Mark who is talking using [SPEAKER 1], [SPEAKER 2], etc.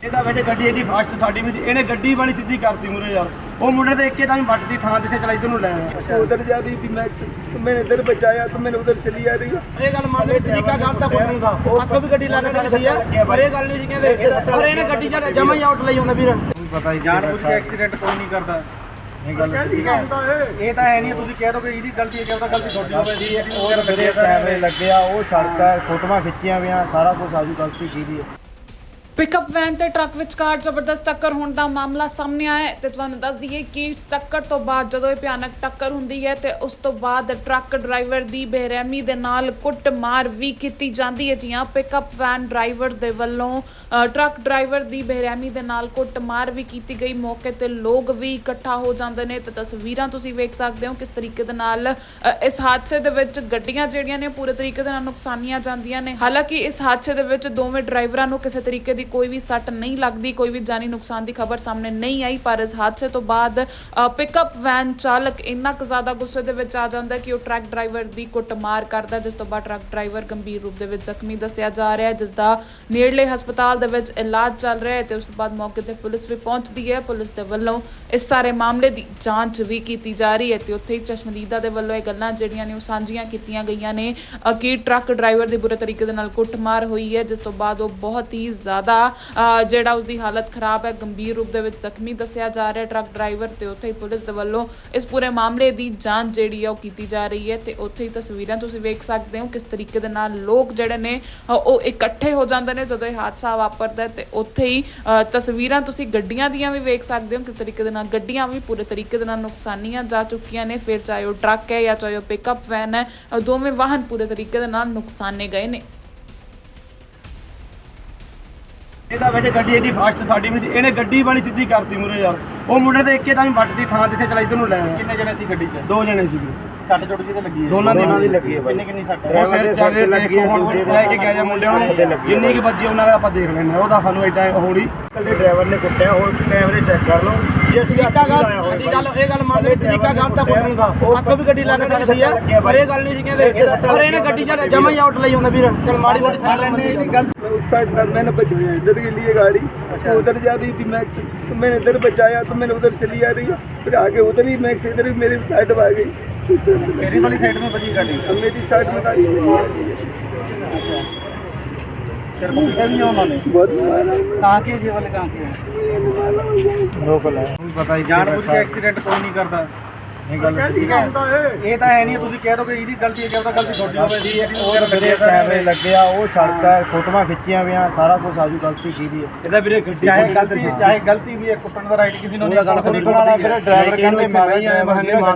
[SPEAKER 1] ਇਹਦਾ ਵੈਸੇ ਗੱਡੀ ਇਹਦੀ ਫਾਸਟ ਸਾਡੀ ਵੀ ਇਹਨੇ ਗੱਡੀ ਵਾਲੀ ਸਿੱਧੀ ਕਰਤੀ ਮੂਰੇ ਯਾਰ ਉਹ ਮੁੰਡੇ ਤੇ ਇੱਕੇ ਤਾਂ ਵੱਟ ਦੀ ਥਾਂ ਤੇ ਚਲਾਈ ਤੈਨੂੰ ਲੈ ਆਇਆ
[SPEAKER 2] उधर जा रही थी मैं मैंने इधर बचाया तो मैंने उधर चली आ रही
[SPEAKER 1] ਇਹ ਗੱਲ ਮੰਨ ਲਈ ਤਰੀਕਾ ਗਲਤ ਤਾਂ ਕੋਈ ਦਾ ਅੱਗੋਂ ਵੀ ਗੱਡੀ ਲਾ ਕੇ ਚੱਲਦੀ ਆ ਪਰ ਇਹ ਗੱਲ ਨਹੀਂ ਸੀ ਕਹਿੰਦੇ ਪਰ ਇਹਨੇ ਗੱਡੀ ਚ ਜਮਾ ਹੀ ਆਊਟ ਲਈ ਜਾਂਦਾ ਵੀਰ
[SPEAKER 2] पता ही जान बुझ के एक्सीडेंट कोई नहीं करता ਇਹ ਤਾਂ ਹੈ ਨਹੀਂ ਤੁਸੀਂ ਕਹਿ ਦੋ ਕਿ ਇਹਦੀ ਗਲਤੀ ਹੈ ਕਿ ਉਹਦਾ ਗਲਤੀ ਤੁਹਾਡੀ ਹੋਵੇ ਜੀ ਉਹ ਜਿਹੜੇ ਕੈਮਰੇ ਲੱਗੇ ਆ ਉਹ ਸੜਕ ਹੈ ਫੋਟੋਆਂ ਖਿੱਚੀਆਂ ਹੋਈਆਂ ਸਾਰਾ ਕੁਝ ਆਜੂ ਗਲਤੀ ਕੀਤੀ ਹੈ।
[SPEAKER 3] ਪਿਕਅਪ ਵੈਨ ਤੇ ਟਰੱਕ ਵਿਚਕਾਰ ਜ਼ਬਰਦਸਤ ਟੱਕਰ ਹੋਣ ਦਾ ਮਾਮਲਾ ਸਾਹਮਣੇ ਆਇਆ ਹੈ ਤੇ ਤੁਹਾਨੂੰ ਦੱਸ ਦਈਏ ਕਿ ਇਸ ਟੱਕਰ ਤੋਂ ਬਾਅਦ ਜਦੋਂ ਇਹ ਭਿਆਨਕ ਟੱਕਰ ਹੁੰਦੀ ਹੈ ਤੇ ਉਸ ਤੋਂ ਬਾਅਦ ਟਰੱਕ ਡਰਾਈਵਰ ਦੀ ਬੇਰਹਿਮੀ ਦੇ ਨਾਲ ਕੁੱਟਮਾਰ ਵੀ ਕੀਤੀ ਜਾਂਦੀ ਹੈ। ਜੀ ਹਾਂ, ਪਿਕਅਪ ਵੈਨ ਡਰਾਈਵਰ ਦੇ ਵੱਲੋਂ ਟਰੱਕ ਡਰਾਈਵਰ ਦੀ ਬੇਰਹਿਮੀ ਦੇ ਨਾਲ ਕੁੱਟਮਾਰ ਵੀ ਕੀਤੀ ਗਈ। ਮੌਕੇ ਤੇ ਲੋਕ ਵੀ ਇਕੱਠਾ ਹੋ ਜਾਂਦੇ ਨੇ ਤੇ ਤਸਵੀਰਾਂ ਤੁਸੀਂ ਵੇਖ ਸਕਦੇ ਹੋ ਕਿਸ ਤਰੀਕੇ ਦੇ ਨਾਲ ਇਸ ਹਾਦਸੇ ਦੇ ਵਿੱਚ ਗੱਡੀਆਂ ਜਿਹੜੀਆਂ ਨੇ ਪੂਰੇ ਤਰੀਕੇ ਦੇ ਨਾਲ ਨੁਕਸਾਨੀਆਂ ਜਾਂਦੀਆਂ ਨੇ। ਹਾਲਾਂਕਿ ਇਸ ਹਾਦਸੇ ਦੇ ਵਿੱਚ ਦੋਵੇਂ ਡਰਾਈਵਰਾਂ ਨੂੰ ਕਿਸੇ ਤਰੀਕੇ ਦੀ ਕੋਈ ਵੀ ਸੱਟ ਨਹੀਂ ਲੱਗਦੀ, ਕੋਈ ਵੀ ਜਾਨੀ ਨੁਕਸਾਨ ਦੀ ਖਬਰ ਸਾਹਮਣੇ ਨਹੀਂ ਆਈ। ਪਰ ਇਸ ਹਾਦਸੇ ਤੋਂ ਬਾਅਦ ਪਿਕਅਪ ਵੈਨ ਚਾਲਕ ਇੰਨਾ ਕੁ ਜ਼ਿਆਦਾ ਗੁੱਸੇ ਦੇ ਵਿੱਚ ਆ ਜਾਂਦਾ ਕਿ ਉਹ ਟਰੱਕ ਡਰਾਈਵਰ ਦੀ ਕੁੱਟਮਾਰ ਕਰਦਾ, ਜਿਸ ਤੋਂ ਬਾਅਦ ਟਰੱਕ ਡਰਾਈਵਰ ਗੰਭੀਰ ਰੂਪ ਦੇ ਵਿੱਚ ਜ਼ਖਮੀ ਦੱਸਿਆ ਜਾ ਰਿਹਾ ਹੈ, ਜਿਸ ਦਾ ਨੇੜਲੇ ਹਸਪਤਾਲ ਦੇ ਵਿੱਚ ਇਲਾਜ ਚੱਲ ਰਿਹਾ ਹੈ। ਤੇ ਉਸ ਤੋਂ ਬਾਅਦ ਮੌਕੇ ਤੇ ਪੁਲਿਸ ਵੀ ਪਹੁੰਚਦੀ ਹੈ। ਪੁਲਿਸ ਦੇ ਵੱਲੋਂ ਇਸ ਸਾਰੇ ਮਾਮਲੇ ਦੀ ਜਾਂਚ ਵੀ ਕੀਤੀ ਜਾ ਰਹੀ ਹੈ ਤੇ ਉੱਥੇ ਹੀ ਚਸ਼ਮਦੀਦਾ ਦੇ ਵੱਲੋਂ ਇਹ ਗੱਲਾਂ ਜਿਹੜੀਆਂ ਨੇ ਉਹ ਸਾਂਝੀਆਂ ਕੀਤੀਆਂ ਗਈਆਂ ਨੇ ਕਿ ਟਰੱਕ ਡਰਾਈਵਰ ਦੀ ਬੁਰੇ ਤਰੀਕੇ ਦੇ ਨਾਲ ਕੁੱਟਮਾਰ ਹੋਈ ਹੈ, ਜਿਸ ਤੋਂ ਬਾਅਦ ਉਹ ਬਹੁਤ ਹੀ ਜ਼ਿਆਦਾ ਜਿਹੜਾ ਉਸਦੀ ਹਾਲਤ ਖਰਾਬ ਹੈ, ਗੰਭੀਰ ਰੂਪ ਦੇ ਵਿੱਚ ਜ਼ਖਮੀ ਦੱਸਿਆ ਜਾ ਰਿਹਾ ਟਰੱਕ ਡਰਾਈਵਰ। ਤੇ ਉੱਥੇ ਹੀ ਪੁਲਿਸ ਦੇ ਵੱਲੋਂ ਇਸ ਪੂਰੇ ਮਾਮਲੇ ਦੀ ਜਾਂਚ ਜਿਹੜੀ ਹੈ ਉਹ ਕੀਤੀ ਜਾ ਰਹੀ ਹੈ ਤੇ ਉੱਥੇ ਹੀ ਤਸਵੀਰਾਂ ਤੁਸੀਂ ਵੇਖ ਸਕਦੇ ਹੋ ਕਿਸ ਤਰੀਕੇ ਦੇ ਨਾਲ ਲੋਕ ਜਿਹੜੇ ਨੇ ਉਹ ਇਕੱਠੇ ਹੋ ਜਾਂਦੇ ਨੇ ਜਦੋਂ ਇਹ ਹਾਦਸਾ ਵਾਪਰਦਾ ਹੈ। ਤੇ ਉੱਥੇ ਹੀ ਤਸਵੀਰਾਂ ਤੁਸੀਂ ਗੱਡੀਆਂ ਦੀਆਂ ਵੀ ਵੇਖ ਸਕਦੇ ਹੋ ਕਿਸ ਤਰੀਕੇ ਦੇ ਨਾਲ ਗੱਡੀਆਂ ਵੀ ਪੂਰੇ ਤਰੀਕੇ ਦੇ ਨਾਲ ਨੁਕਸਾਨੀਆਂ ਜਾ ਚੁੱਕੀਆਂ ਨੇ। ਫਿਰ ਚਾਹੇ ਉਹ ਟਰੱਕ ਹੈ ਜਾਂ ਚਾਹੇ ਉਹ ਪਿਕਅਪ ਵੈਨ ਹੈ, ਦੋਵੇਂ ਵਾਹਨ ਪੂਰੇ ਤਰੀਕੇ ਦੇ ਨਾਲ ਨੁਕਸਾਨੇ ਗਏ ਨੇ।
[SPEAKER 1] ਇਹਦਾ ਵੈਸੇ ਗੱਡੀ ਇਹਦੀ ਫਾਸਟ ਸਾਡੀ ਵੀ ਇਹਨੇ ਗੱਡੀ ਵਾਲੀ ਸਿੱਧੀ ਕਰਤੀ ਮੂਰੇ ਯਾਰ ਉਹ ਮੁੰਡੇ ਤੇ ਇੱਕੇ ਤਾਂ ਵੱਟ ਦੀ ਥਾਂ ਤੇ ਚਲਾਈ ਤੈਨੂੰ ਲੈ ਆਇਆ
[SPEAKER 2] ਕਿੰਨੇ ਜਣੇ ਸੀ ਗੱਡੀ 'ਚ?
[SPEAKER 1] ਦੋ ਜਣੇ ਸੀਗੇ।
[SPEAKER 2] ਸੱਟ ਚੋਟ ਕਿਤੇ ਲੱਗੀ ਹੈ?
[SPEAKER 1] ਦੋਨਾਂ ਦੀ
[SPEAKER 2] ਲੱਗੀ ਹੈ। ਕਿੰਨੀ ਸੱਟ
[SPEAKER 1] ਉਹ ਸਿਰ ਚਾਰੇ ਲੱਗੀ ਹੈ, ਦੂਜੇ ਦੇ ਲੈ ਕੇ ਗਿਆ ਜਾਂ ਮੁੰਡਿਆਂ ਨੂੰ ਜਿੰਨੀ ਕੀ ਵੱਜੀ ਉਹਨਾਂ ਦਾ ਆਪਾਂ ਦੇਖ ਲੈਂਦੇ ਹਾਂ। ਉਹਦਾ ਸਾਨੂੰ ਐਡਾ ਹੋਣੀ
[SPEAKER 2] ਕੱਲੇ ਡਰਾਈਵਰ ਨੇ ਕੁੱਟਿਆ, ਉਹ ਕੈਮਰੇ ਚੈੱਕ ਕਰ ਲਓ ਜੇ ਅਸੀਂ
[SPEAKER 1] ਤਰੀਕਾ ਗੱਲ ਇਹ ਗੱਲ ਮੰਨ ਲਈ ਤਰੀਕਾ ਗਲਤ ਤਾਂ ਕੋਈ ਦਾ ਅੱਗੋਂ ਵੀ ਗੱਡੀ ਲਾ ਕੇ ਚੱਲਦੀ ਆ ਪਰ ਇਹ ਗੱਲ ਨਹੀਂ ਸੀ ਕਹਿੰਦੇ ਪਰ ਇਹਨੇ ਗੱਡੀ ਚ ਜਮਾ ਹੀ ਆਊਟ ਲਈ ਜਾਂਦਾ ਵੀਰ ਚਲ ਮਾੜੀ ਮੋਟੀ ਸਾਈਡ ਲੈਣੇ
[SPEAKER 2] गलत साइड पर मैंने बचाया इधर के लिए गाड़ी उधर जा रही थी मैक्स तो मैंने इधर बचाया तो मैंने उधर चली आ रही है फिर आगे उधर ही मैक्स इधर ही मेरी साइड में आ गई
[SPEAKER 1] मेरी वाली साइड में बची गाड़ी
[SPEAKER 2] अब मेरी साइड में गाड़ी
[SPEAKER 1] तेरे को पीछा भी नहीं उन्होंने
[SPEAKER 2] बहुत मारा
[SPEAKER 1] कहाँ के ये वाले कहाँ के
[SPEAKER 2] रोक ला पता ही जान बुझ के एक्सीडेंट कोई नहीं करता ਇਹ ਤਾਂ ਹੈ ਨਹੀਂ ਤੁਸੀਂ ਕਹਿ ਦੋ ਕਿ ਇਹਦੀ ਗਲਤੀ ਹੈ ਕਿ ਉਹਦਾ ਗਲਤੀ ਤੁਹਾਡੀ ਹੋਵੇ ਜੀ ਉਹ ਜਿਹੜੇ ਕੈਮਰੇ ਲੱਗੇ ਆ ਉਹ ਸੜਕ ਹੈ ਫੋਟੋਆਂ ਖਿੱਚੀਆਂ ਹੋਈਆਂ ਸਾਰਾ ਕੁਝ ਆਜੂ ਗਲਤੀ ਕੀਤੀ ਹੈ।
[SPEAKER 1] ਇਹਦਾ ਵੀਰੇ ਗੱਡੀ
[SPEAKER 2] ਚਾਹੇ ਗਲਤੀ ਵੀ ਹੈ ਕੁੱਟਣ ਦਾ ਰਾਈਟ ਕਿਸੇ ਨੂੰ ਨਹੀਂ, ਗੱਲ ਨਹੀਂ, ਫਿਰ ਡਰਾਈਵਰ ਕਹਿੰਦੇ ਮਾਰਿਆ